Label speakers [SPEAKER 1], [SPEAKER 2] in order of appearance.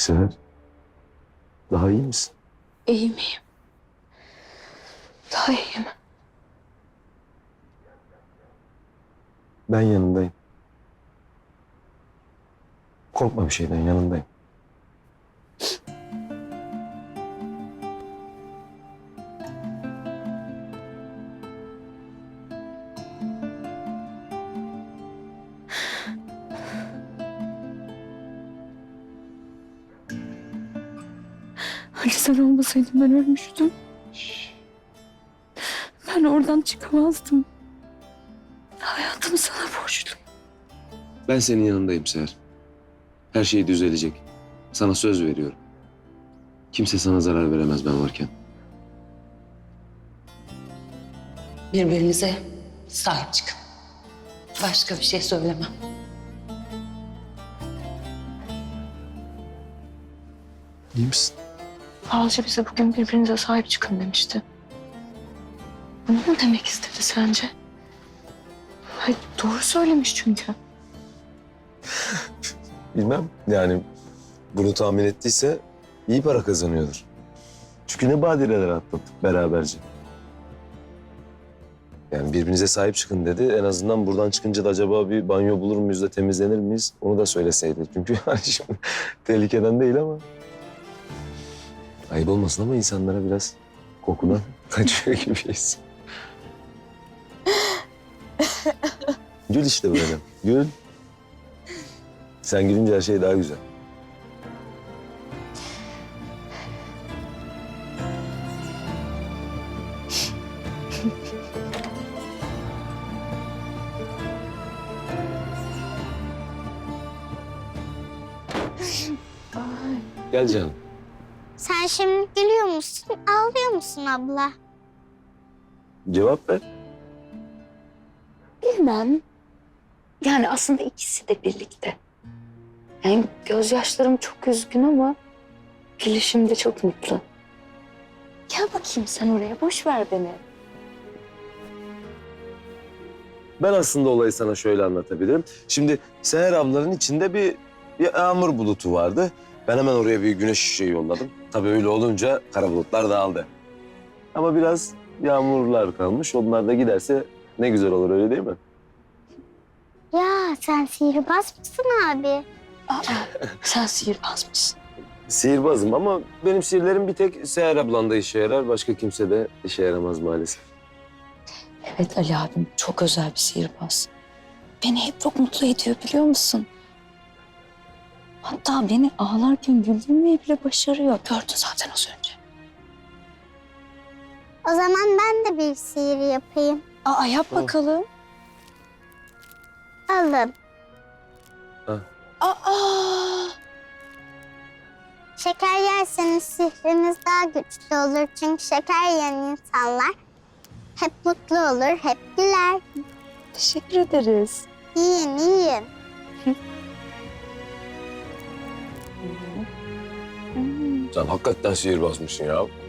[SPEAKER 1] Seher, daha iyi misin?
[SPEAKER 2] İyiyim, iyiyim. Daha iyiyim.
[SPEAKER 1] Ben yanındayım. Korkma bir şeyden, yanındayım.
[SPEAKER 2] Ali sen olmasaydın ben ölmüştüm. Ben oradan çıkamazdım. Hayatımı sana borçluyum.
[SPEAKER 1] Ben senin yanındayım Seher. Her şey düzelecek. Sana söz veriyorum. Kimse sana zarar veremez ben varken.
[SPEAKER 3] Birbirinize sahip çıkın. Başka bir şey söylemem.
[SPEAKER 1] İyi misin?
[SPEAKER 2] Falcı bize bugün birbirinize sahip çıkın demişti. Bunu mu demek istedi sence? Hayır, doğru söylemiş çünkü.
[SPEAKER 1] Bilmem. Yani bunu tahmin ettiyse iyi para kazanıyordur. Çünkü ne badireler atlattık beraberce. Yani birbirinize sahip çıkın dedi. En azından buradan çıkınca da acaba bir banyo bulur muyuz da temizlenir miyiz? Onu da söyleseydi. Çünkü hani şimdi tehlikeden değil ama. Ayıp olmasın ama insanlara biraz kokudan kaçıyor gibiyiz. Gül işte böyle. Gül. Sen gülünce her şey daha güzel. Gel canım.
[SPEAKER 4] Sen şimdi gülüyor musun, ağlıyor musun abla?
[SPEAKER 1] Cevap ver.
[SPEAKER 2] Bilmem. Yani aslında ikisi de birlikte. Yani gözyaşlarım çok üzgün ama gülüşüm de çok mutlu. Gel bakayım sen oraya, boş ver beni.
[SPEAKER 1] Ben aslında olayı sana şöyle anlatabilirim. Şimdi Seher ablanın içinde bir yağmur bulutu vardı. Ben hemen oraya bir güneş ışığı yolladım. Tabii öyle olunca kara bulutlar dağıldı. Ama biraz yağmurlar kalmış. Onlar da giderse ne güzel olur, öyle değil mi?
[SPEAKER 4] Ya sen sihirbaz mısın abi?
[SPEAKER 2] Sen sihirbaz mısın?
[SPEAKER 1] Sihirbazım ama benim sihirlerim bir tek Seher ablanda işe yarar. Başka kimse de işe yaramaz maalesef.
[SPEAKER 2] Evet, Ali abim çok özel bir sihirbaz. Beni hep çok mutlu ediyor, biliyor musun? Hatta beni ağlarken güldürmeyi bile başarıyor. Gördün zaten az önce.
[SPEAKER 4] O zaman ben de bir sihir yapayım.
[SPEAKER 2] Yap bakalım.
[SPEAKER 4] Alın.
[SPEAKER 2] Aa!
[SPEAKER 4] Şeker yerseniz sihriniz daha güçlü olur. Çünkü şeker yiyen insanlar hep mutlu olur, hep güler.
[SPEAKER 2] Teşekkür ederiz.
[SPEAKER 4] Yiyin, yiyin.
[SPEAKER 1] Sen hakikaten sihirbazmışsın ya.